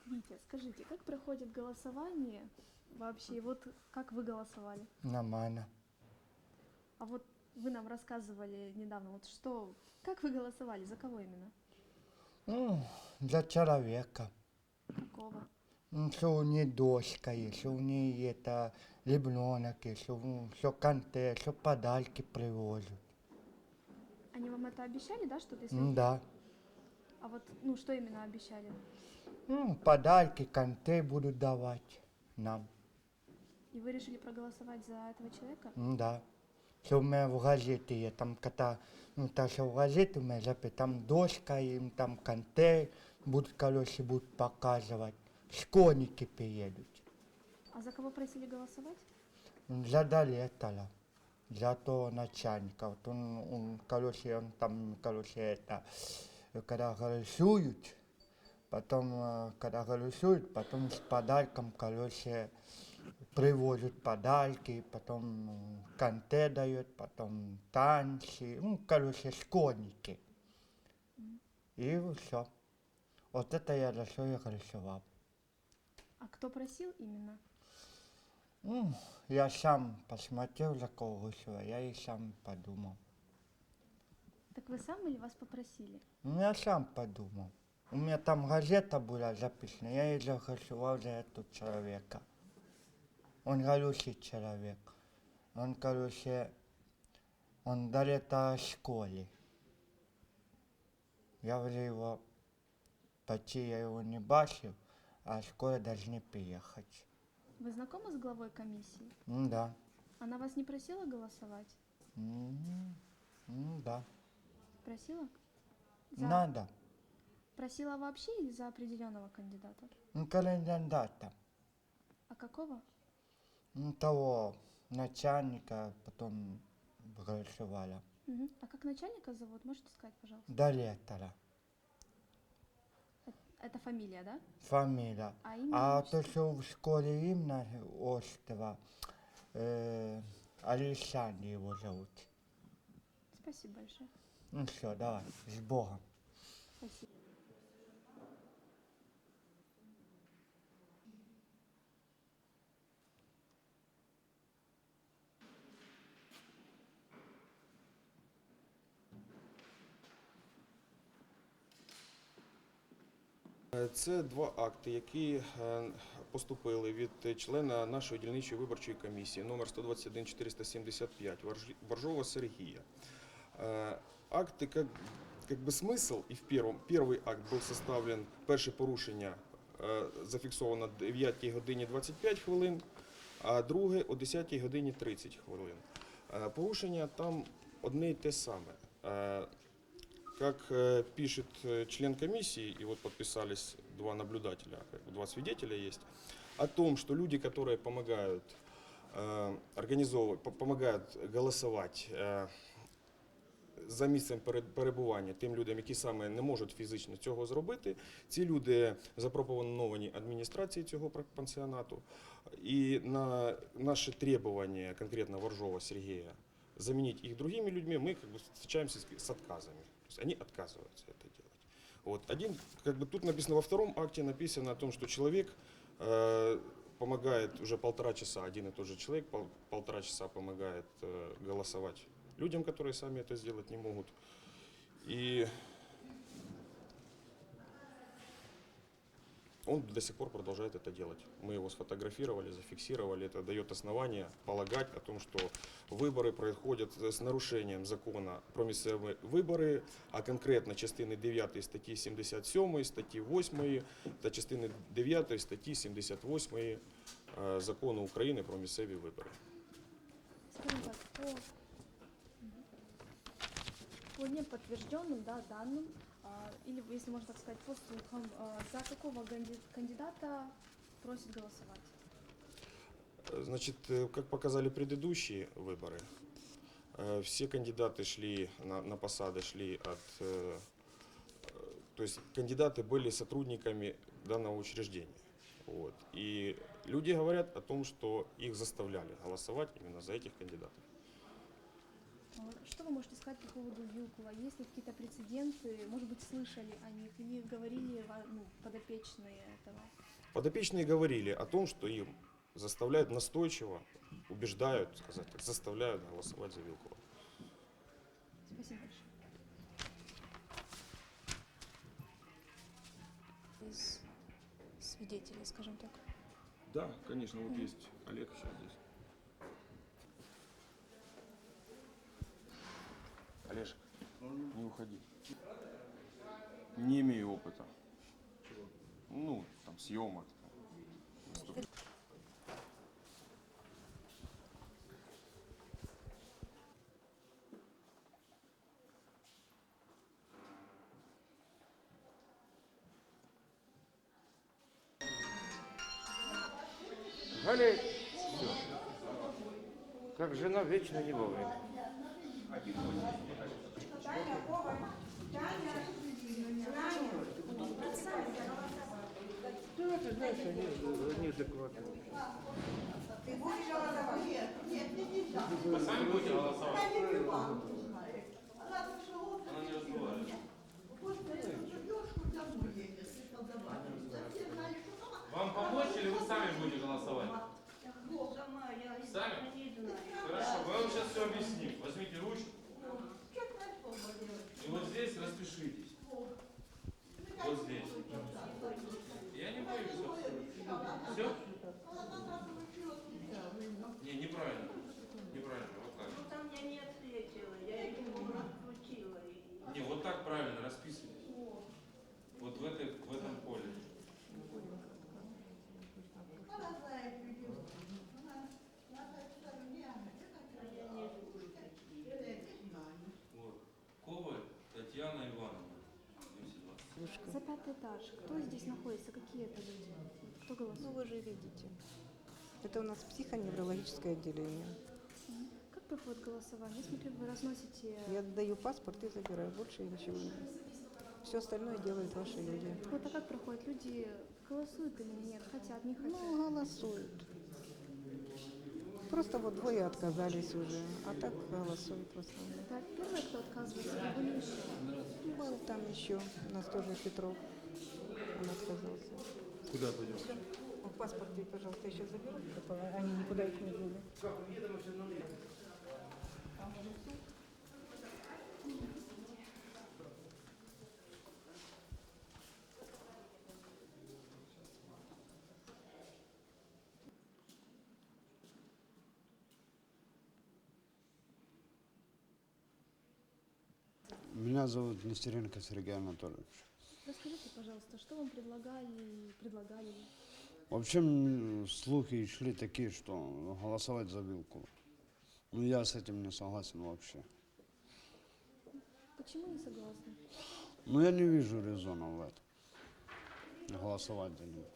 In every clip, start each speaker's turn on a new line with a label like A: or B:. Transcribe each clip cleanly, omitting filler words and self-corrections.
A: Витя, скажите, как проходит голосование вообще? Вот как вы голосовали?
B: Нормально.
A: А вот вы нам рассказывали недавно, вот что, как вы голосовали, за кого именно?
B: Ну, для человека.
A: Какого?
B: Что у нее дочка есть, что у нее это ребенок есть, что контент, что подарки привозят.
A: Они вам это обещали, да, что-то, если...
B: Да.
A: А вот, ну, что именно обещали?
B: Подарки, контент будут давать нам.
A: И вы решили проголосовать за этого человека?
B: Да. Что у меня в газете есть, там когда, так что в газете у меня записано, там дочка им, там контент будут, короче, будут показывать. Школьники приедут.
A: А за кого просили голосовать?
B: Задали это, за то начальника. Вот короче, он там, короче, это, когда голосуют, потом, когда голосуют, потом с подарком, короче, привозят подарки, потом конте дают, потом танцы, короче, школьники. И все. Вот это я за что я голосовал.
A: А кто просил именно?
B: Я сам посмотрел, за кого голосовал, я и сам подумал.
A: Так вы сам или вас попросили?
B: Я сам подумал. У меня там газета была записана, я и заголосовал за этого человека. Он хороший человек. Он, короче, он дал это школе. Я уже его, почти я его не бачил, а скоро должны приехать.
A: Вы знакомы с главой комиссии?
B: Да.
A: Она вас не просила голосовать?
B: Да.
A: Просила? За...
B: Надо.
A: Просила вообще или за определенного кандидата?
B: Кандидата.
A: А какого?
B: Того начальника потом голосовала.
A: Мгм. А как начальника зовут? Можете сказать, пожалуйста?
B: До лета.
A: Это фамилия, да?
B: Фамилия.
A: А имя,
B: А то,
A: отчество?
B: что в школе именно острова, Александр его зовут.
A: Спасибо большое.
B: Ну все, давай, с Богом.
A: Спасибо.
C: Це два акти, які поступили від члена нашої дільничої виборчої комісії номер 121 475 Боржова Сергія. Акты, как бы смысл, и первый акт был составлен, перше порушення зафіксовано 9 годині 25 хвилин, а друге о 10 годині 30 хвилин. Порушення там одне й те саме. Как пишет член комиссии, и вот подписались два наблюдателя, два свидетеля есть, о том, что люди, которые помогают организовывать, помогают голосовать за місцем перебування тим людям, які саме не можуть фізично цього зробити, ці люди запропоновані адміністрації цього пансіонату. І на наше требування конкретно Воржова Сергея заменить их другими людьми, мы как бы встречаемся с отказами. То есть они отказываются это делать. Вот. Тут написано, во втором акте написано о том, что человек помогает уже 1,5 часа, один и тот же человек 1,5 часа помогает голосовать людям, которые сами это сделать не могут. И он до сих пор продолжает это делать. Мы его сфотографировали, зафиксировали. Это дает основание полагать о том, что выборы происходят с нарушением закона про місцеві вибори, а конкретно частини 9 статті 77, статті 8 та частини 9 статті 78 закону України про місцеві вибори.
A: Скажем так, по неподтвержденным, да, данным, или, если можно так сказать, по слухам, за какого кандидата просят голосовать?
C: Значит, как показали предыдущие выборы, все кандидаты шли на посады, шли то есть кандидаты были сотрудниками данного учреждения. Вот. И люди говорят о том, что их заставляли голосовать именно за этих кандидатов.
A: Что вы можете сказать по поводу Вилкула? Есть ли какие-то прецеденты, может быть, слышали о них или говорили подопечные этого?
C: Подопечные говорили о том, что им заставляют настойчиво, убеждают, сказать так, заставляют голосовать за Вилкула.
A: Спасибо большое. Из свидетелей, скажем так.
C: Да, конечно, вот есть Олег сейчас здесь. Олежек, не уходи. Не имею опыта. Ну, там, съемок.
D: Галя, все. Как жена вечно не вовремя. Да, ты знаешь, они адекватные.
E: Вы сами будете голосовать? Она не разговаривает. Вам помочь или вы сами будете голосовать? Сами? Хорошо, мы вам сейчас все объясним. Возьмите ручку. И вот здесь распишитесь. Вот здесь. Я не боюсь абсолютно. Все? Не, неправильно. Неправильно, вот так.
F: Ну там я не ответила, я ему отключила.
E: Не, вот так правильно, расписывайтесь. Вот в этом поле. Вот. Коваль Татьяна Ивановна. 220.
A: За 5-й этаж. Кто здесь находится? Какие это люди? Кто
G: Ну,
A: голосует?
G: вы же видите. Это у нас психоневрологическое отделение.
A: Как проходит голосование? Я смотрю, вы разносите...
G: Я даю паспорт и забираю. Больше я ничего не. Все остальное делают ваши люди.
A: Вот а как проходит? Люди голосуют или нет? Хотят, не хотят?
G: Ну, голосуют. Просто вот двое отказались уже, а так голосуют в основном.
A: Это первый, кто отказывается, или были еще?
G: Был там еще, у нас тоже Петров, он отказался.
C: Куда пойдем?
G: Паспорт, пожалуйста, еще заберу, они никуда их не дели.
H: Меня зовут Нестеренко Сергей Анатольевич.
A: Расскажите, пожалуйста, что вам предлагали ли?
H: Вообще слухи шли такие, что голосовать за Вилкула. Но я с этим не согласен вообще.
A: Почему не согласны?
H: Но я не вижу резона в этом. Голосовать за него.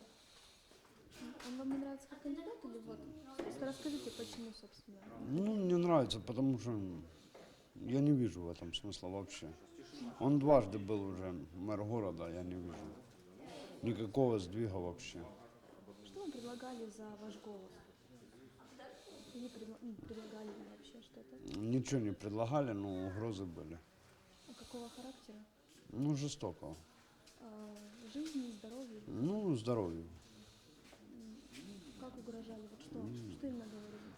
A: Он вам не нравится как кандидат или вот? Просто расскажите, почему, собственно.
H: Ну, не нравится, потому что я не вижу в этом смысла вообще. Он дважды был уже мэр города, я не вижу никакого сдвига вообще.
A: Что вам предлагали за ваш голос? Или предлагали ли вообще что-то?
H: Ничего не предлагали, но угрозы были.
A: А какого характера?
H: Ну, жестокого.
A: Жизни, здоровью?
H: Ну, здоровью.
A: Как угрожали? Вот что именно говорили?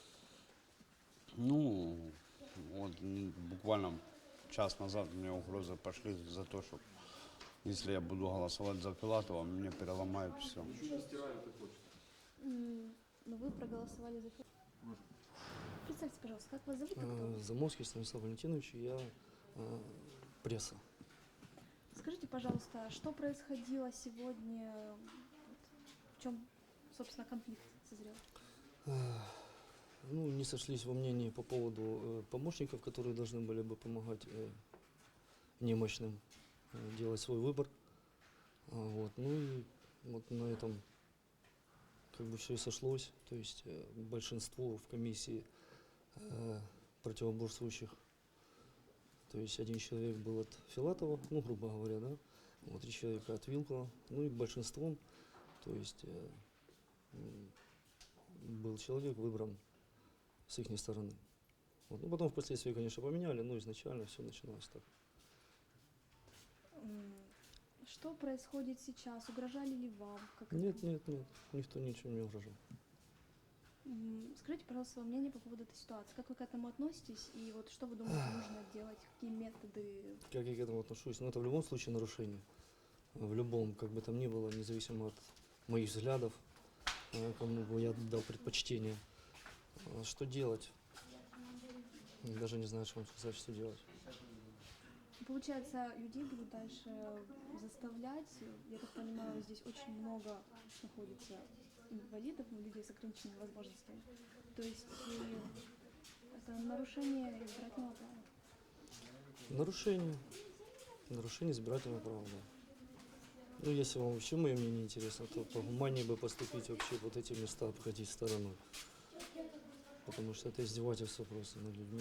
H: Ну, вот буквально час назад мне угрозы пошли за то, что если я буду голосовать за Филатова, мне переломают все.
A: Но вы проголосовали за... Представьте, пожалуйста, как вас зовут и кто?
I: Заморский Станислав Валентинович, я пресса.
A: Скажите, пожалуйста, что происходило сегодня? В чем, собственно, конфликт созрел?
I: Ну, не сошлись во мнении по поводу помощников, которые должны были бы помогать немощным делать свой выбор. Вот. Ну и вот на этом как бы все и сошлось. То есть большинство в комиссии противоборствующих, то есть один человек был от Филатова, ну, грубо говоря, да, вот 3 человека от Вилкула, ну и большинством, то есть был человек выбран с их стороны. Вот. Ну, потом впоследствии, конечно, поменяли, но изначально все начиналось так.
A: Что происходит сейчас? Угрожали ли вам? Как это?
I: Нет, никто ничего не угрожал.
A: Скажите, пожалуйста, свое мнение по поводу этой ситуации. Как вы к этому относитесь? И вот что вы думаете, нужно делать? Какие методы?
I: Как я к этому отношусь? Ну, это в любом случае нарушение. В любом, как бы там ни было, независимо от моих взглядов, кому бы я дал предпочтение. Что делать? Даже не знаю, что вам сказать, что делать.
A: Получается, людей будут дальше заставлять. Я так понимаю, здесь очень много находится инвалидов, людей с ограниченными возможностями. То есть это нарушение избирательного права.
I: Нарушение избирательного права, да. Ну, если вам вообще мое мнение интересно, то погуманнее бы поступить вообще вот эти места обходить стороной. Потому что это издевательство просто над людьми.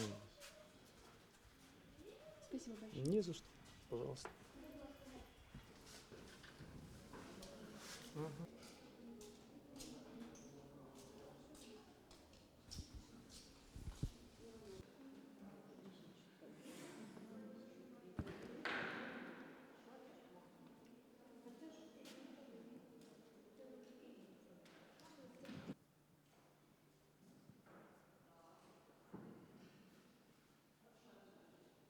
A: Спасибо большое.
I: Не за что, пожалуйста.